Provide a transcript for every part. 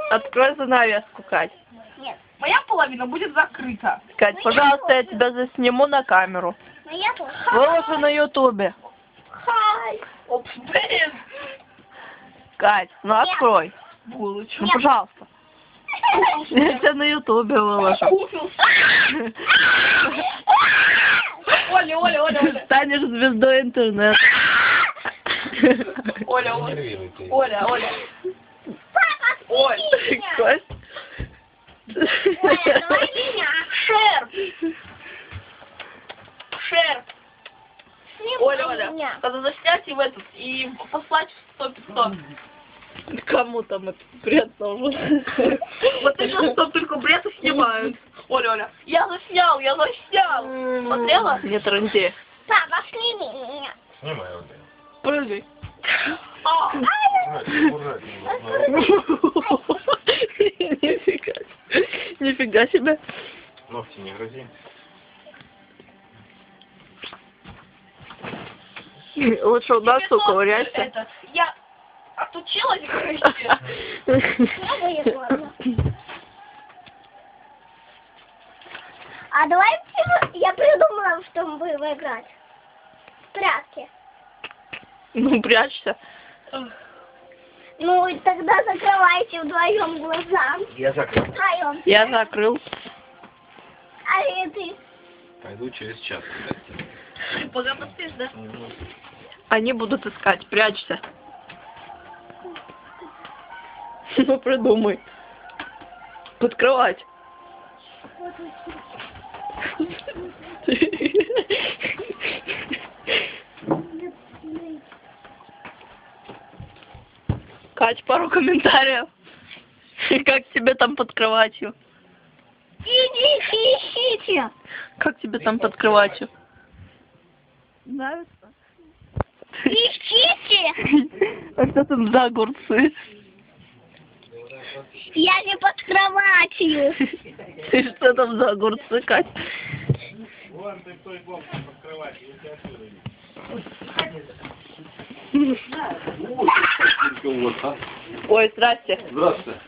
Открой занавеску, Кать. Нет. Моя половина будет закрыта. Кать, Ну, пожалуйста, я я тебя засниму на камеру. Моя тоже. Выложу на ютубе. Хай. Опс, блин. Кать, ну Нет. открой. Булочку. Ну, пожалуйста. Я тебя на ютубе выложу. Оля, Оля, Оля, Оля. Станешь звездой интернета. Оля, Оля. Оля, Оля. Папа, Ой, сними меня. Кость. Оля, давай меня. Шерп. Шерп. Снимай Оля, Оля. меня. Надо заснять и в этот, и послать в 100-500. Кому там это бред нужен? Вот сейчас что только бред и снимают. Оля, Оля. Я заснял, я заснял. Смотрела? Не транди. Папа, сними меня. Снимай вот Прыгай. А, Нифига. Нифига себе. Ногти не грози. Лучше у нас уковыряйся. этот, я отучилась, короче. Я выиграла. А давай я придумала, что мы будем играть. В прятки. Ну, прячься. Ну, и тогда закрывайте вдвоем глаза. Я закрыл. Вдвоем. Я закрыл. А и ты. Пойду через час. Пока поспишь, да? Они будут искать. Прячься. Ну, придумай. Подкрывать. Кать, пару комментариев. Как тебе там под кроватью? Идите, ищите. Как тебе там под кроватью? Нравится? Ищите. А что там за огурцы? Я не под кроватью. Ты что там за огурцы, Кать? Вон ты в той комнате под кроватью, если отсюда видишь. Ой, здрасте. Здравствуйте.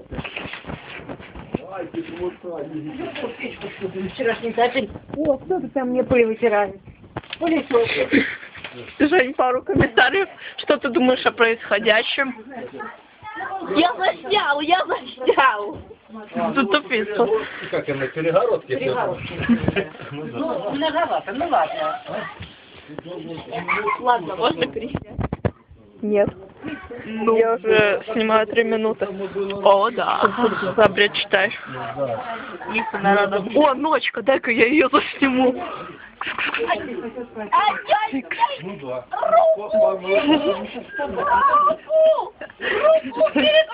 Вчерашний капель. О, кто ты там мне пыль вытирает? Пылесос. Жень, пару комментариев. Что ты думаешь о происходящем? Я заснял, я заснял. Ты тупица. Как я на перегородке? Ну, многовато, ну ладно. Ладно, можно пересесть? Нет. Я уже снимаю 3 минуты. О, да. За бред читаешь. Лиса народа. О, ночка, дай-ка я ее засниму. Ну да. Руку перед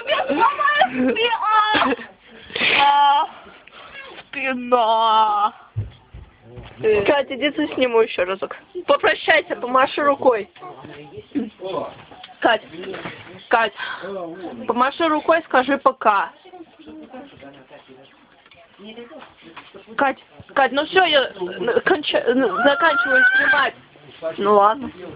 спина. Катя, иди засниму еще разок. Попрощайся, помаши рукой. Кать, Кать, помаши рукой, скажи пока. Кать, Кать, ну все, я заканчиваю снимать. Ну ладно.